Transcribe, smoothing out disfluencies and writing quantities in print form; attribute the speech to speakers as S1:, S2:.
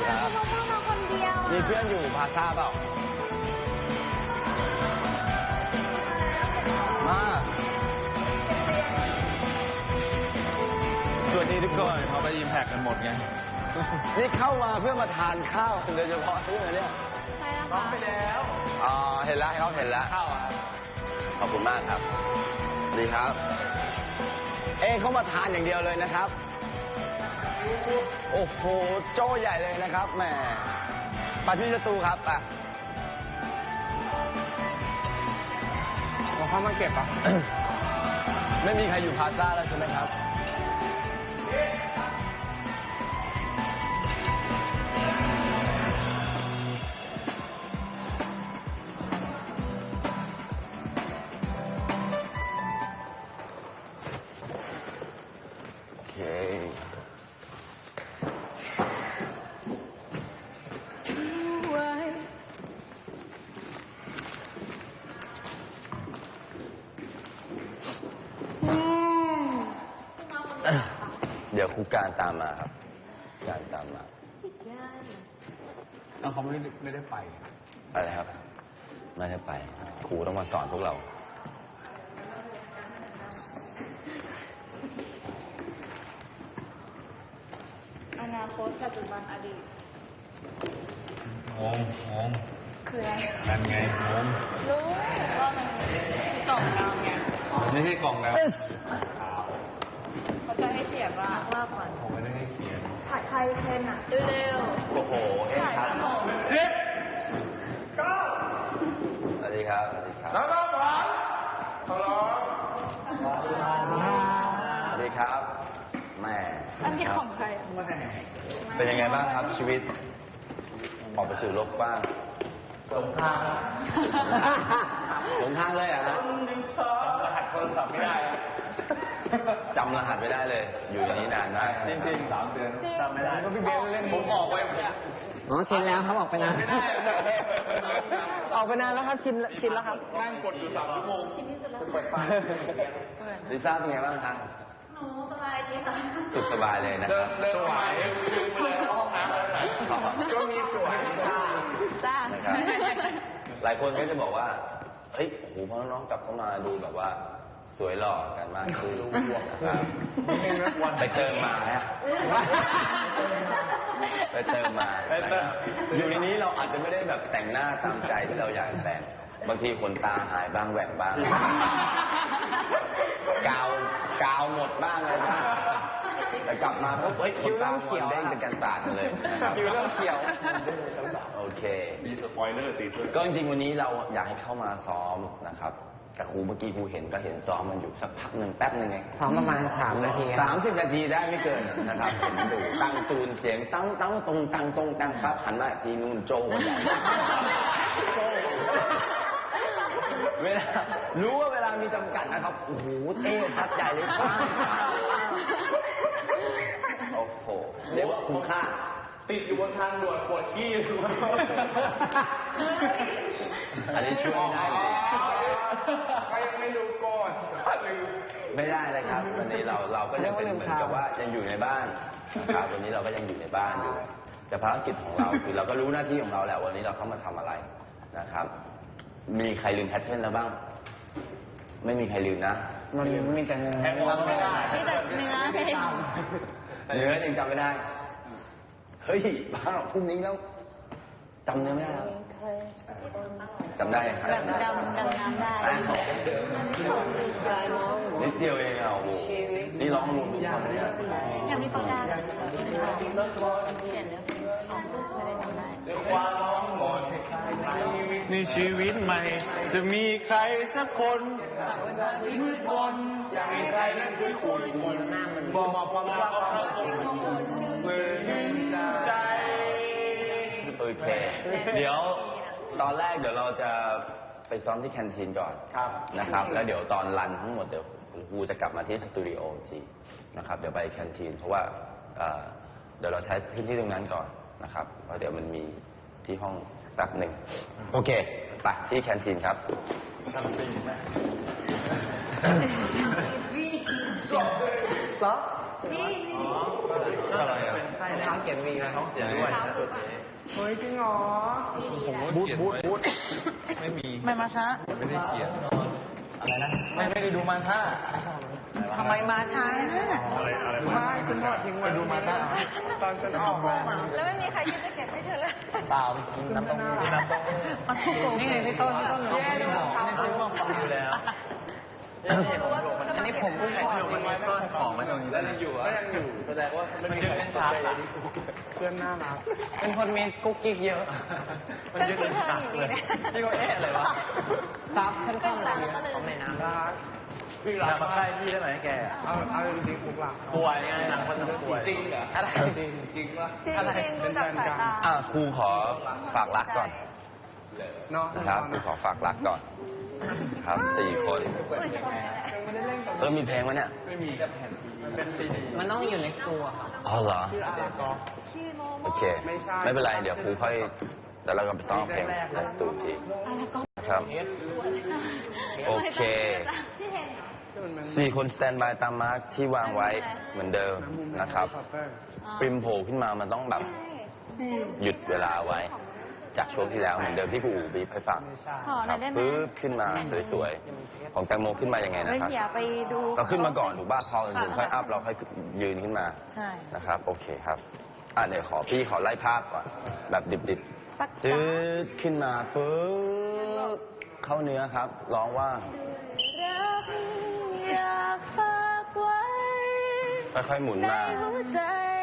S1: เขามาคนเดียว
S2: มีเพื่อนอยู่พาซ่าเปล่ามาสวัสดีทุกคนเขาไปยิมแพกกันหมดไงนี่เข้ามาเพื่อมาทานข้าวโดยเฉพาะใช่ไหมเนี่ยน้องไปแล้วอ๋อเห็นแล้วเขาเห็นแล้วข้าวขอบคุณมากครับดีครับเขามาทานอย่างเดียวเลยนะครับโอ้โหโจ้ใหญ่เลยนะครับแหมปัดที่ประตูครับอ่ะเราเข้ามาเก็บอ่ะ ไม่มีใครอยู่พาซ่าแล้วใช่ไหมครับโอเคเดี๋ยวครูการตามมาครับการตามมาแล้วเขาไม่ได้ไปอะไรครับไม่ได้ไปครูต้องมาสอนพวกเรา
S1: อนาคตปัจจุบันอดีต
S3: งง
S1: คืออะไร
S3: นั่นไงงง
S1: รู้ว่ามันกล่องดาวไง
S3: ไม่ใช่กล่องแล้ว
S1: เขาจะให้เสียบ้างว่าก่อน
S3: ผมไม่ได้ให้เขียน
S1: ผัดไทยเค็มอ่ะเร็ว
S2: โอ้โหครับสวัสดีครับสวัสดีครับ
S3: น้องหวานฮัลโหล
S2: สวัสดีครับแม่
S1: อันนี้ของใคร
S2: เป็นยังไงบ้างครับชีวิตออกไปสู่โลกกว้างหลงทางหลงทางเลยอ่ะฮะ
S3: รหัสโทรศัพท์ไม่ได้
S2: จำรหัสไม่ได้เลยอยู่ในนี้นานมาก
S3: จริงๆ3 เดือนจำไม่ได้
S2: ก็พี่เบลเล่นผมออกไป
S4: ชินแล้วครับออกไปนานออกไปนานแล้วครับชินแล้วครับ
S3: นั่งกดอยู่3 ชั่วโมงเปิดไฟ
S2: ลิซ่าเป็นไงบ้างครับ
S1: หนูสบายดีค่ะ
S2: สุดสบายเลยนะครับ
S3: สวยห้องน้ำก็มีสวย
S1: จ้า
S2: หลายคนก็จะบอกว่าเฮ้ยโอ้โหพอน้องกลับเข้ามาดูแบบว่าสวยหล่อกันมากคือพวกนะครับไปเติมมาฮะไปเติมมาอยู่ในนี้เราอาจจะไม่ได้แบบแต่งหน้าตามใจที่เราอยากแต่งบางทีขนตาหายบ้างแหว่งบ้างกาวหมดบ้างอะไรบ้างแต่กลับมาปุ๊บเฮ้ยคิ้วเริ่มเขียวเด้งเป็นกันศาสตร์เลย
S4: คิ้วเริ่มเขียว
S2: โอเค
S3: มีสปอยเลอร์ติดด้วย
S2: ก็จริงๆวันนี้เราอยากให้เข้ามาซ้อมนะครับแต่ครูเมื่อกี้ครูเห็นก็เห็นซ้อมมันอยู่สักพักหนึ่งแป๊บหนึ่งไง
S4: ซ้อมประมาณ3 นาที
S2: 30 นาทีได้ไม่เกินนะครับเห็นดูตั้งจูนเสียงตั้งตรงปั๊บหันมาทีนู่นโจ้ใหญ่เวลารู้ว่าเวลามีจำกัดนะครับโอ้โหเต้พัดใหญ่เลยป้าโอ้โหเรียกว่าคุ้มค่า
S3: ติดอยู่บนทางด่วนปวดขี้
S2: อันนี้ช่วยได้เลย
S3: ก็ยังไม่รู้ก่อน
S2: ไม่ได้เลยครับวันนี้เราก็ยังเป็นเหมือนกับว่ายังอยู่ในบ้านนะครับวันนี้เราก็ยังอยู่ในบ้านอยู่แต่ภารกิจของเราคือเราก็รู้หน้าที่ของเราแหละวันนี้เราเข้ามาทำอะไรนะครับมีใครลืมแพทเทิร์นแล้วบ้างไม่มีใครลืมนะ
S4: มันมีแต่เนื้อ
S1: มีแต่เนื้อ
S2: ยังจำไม่ได้เฮ้ยบ้าพรุ่งนี้แล้วจำเนื้อไม่ได้จำได้ครับ
S1: แบบดำน้ำได้
S2: นิดเดียวเองอ่ะโอ้โหนี่ร้องรวมทุกคนเนี่ย
S1: อยากมีปากกาเขียนเนื้อออกไม่ได้จำได้
S3: ความร้องหมดในชีวิตใหม่จะมีใครสักคนมืดมนอยากให้ใครนั้นคือคุณบอกความรักของคุณเมื่อใจ
S2: โอเคเดี๋ยวตอนแรกเดี๋ยวเราจะไปซ้อมที่แคนทีนก่อนนะครับแล้วเดี๋ยวตอนรันทั้งหมดเดี๋ยวครูจะกลับมาที่สตูดิโอทีนะครับเดี๋ยวไปแคนทีนเพราะว่าเดี๋ยวเราใช้พื้นที่ตรงนั้นก่อนนะครับเพราะเดี๋ยวมันมีที่ห้องแป๊บหนึ่งโอเคไปที่แคนทีนครับ
S4: เหรอ
S1: นี่
S2: อะไรอ่ะ
S4: เขียนวีนะ
S3: ท้องเสียด้วย
S4: เฮ้ยจริงเหรอ
S3: บูทไม่มี
S1: ไม่มาช้า
S3: ไม่ได้เขียนอะไรนะไม่ได้ดูมาท่า
S1: ทำไมมาช้า
S3: ไม่คุณพ่อทิ้งไว้ดูมาท่าตอนฉันออกมา
S1: แล้วไม่มีใครยืนจะเก็บให้เธอเลย
S3: เปล่ากินน้ำเต้าหู้น้ำเต้าหู้
S4: นี่ไงพี่ต้น
S3: แย่เลยไม่ซื้อมาฟังอยู่แล้วอันนี้ผมเพิ่งขอมันไว้ต้นของมันตรงนี้แล้วยังอยู่ก็ยังอยู่แสดงว่ามันยึดเป็นชาร์จเพื่อนน่ารัก
S4: เป็นคนมีกุ๊กกิ๊กเยอะ
S3: มันยึดเป็นชาร์จเลยพี่ก็เอ๊ะอะไรวะ
S4: ซับขั้นๆเลยของในน้ำ
S3: รักพี่รักมาใกล้พี่ได้ไหมแกเอาจริงๆผมรักป่วยไงหนังคนต้องป่วยจริงเหรออะไรจริงวะ
S1: จริงๆดูจากสายตา
S2: ครูขอฝากรักก่อน
S3: เนาะ
S2: นะครับครูขอฝากรักก่อน ครับ4 คน มีเพลงไหมเนี่ย
S3: ไม่มีแผ่นมันเป็นซีดี
S4: มันต้องอยู่ในครัวครับ
S2: อ๋อเหรอ
S1: ชื่อโมโม
S2: โอเค ไม่เป็นไร เดี๋ยวครูค่อยเดี๋ยวเราก็ไปซ้อมเพลงในสตูทีครับ โอเค
S1: ที่เห็น
S2: 4 คนสแตนบายตามมาร์คที่วางไว้เหมือนเดิมนะครับ ปริมโผล่ขึ้นมามันต้องแบบหยุดเวลาไว้ จากช่วงที่แล้วเหมือนเดิมที่ครูอู๋บีบให้ฟัง
S1: ขอห
S2: ค
S1: น่
S2: รั
S1: อบ ยได้ไหม
S2: ปึ๊บขึ้นมาสวยๆ ของแตงโมขึ้นมายังไง
S1: เฮ้ย
S2: นะครับ
S1: อย่าไปดู
S2: เราขึ้นมาก่อนถูกป่ะพอถึงค่อยอัพเราค่อยยืนขึ้นมา
S1: ใช่
S2: นะครับ โอเคครับเดี๋ยวพี่ขอไล่ภาพก่อนแบบดิบ
S1: ปัก
S2: ๆจืดขึ้นมาปึ๊บเข้าเนื้อครับร้องว่า
S1: รักอยากฝากไว้
S2: ค่อยๆหมุน
S1: ใน
S2: มา
S1: หัวใจ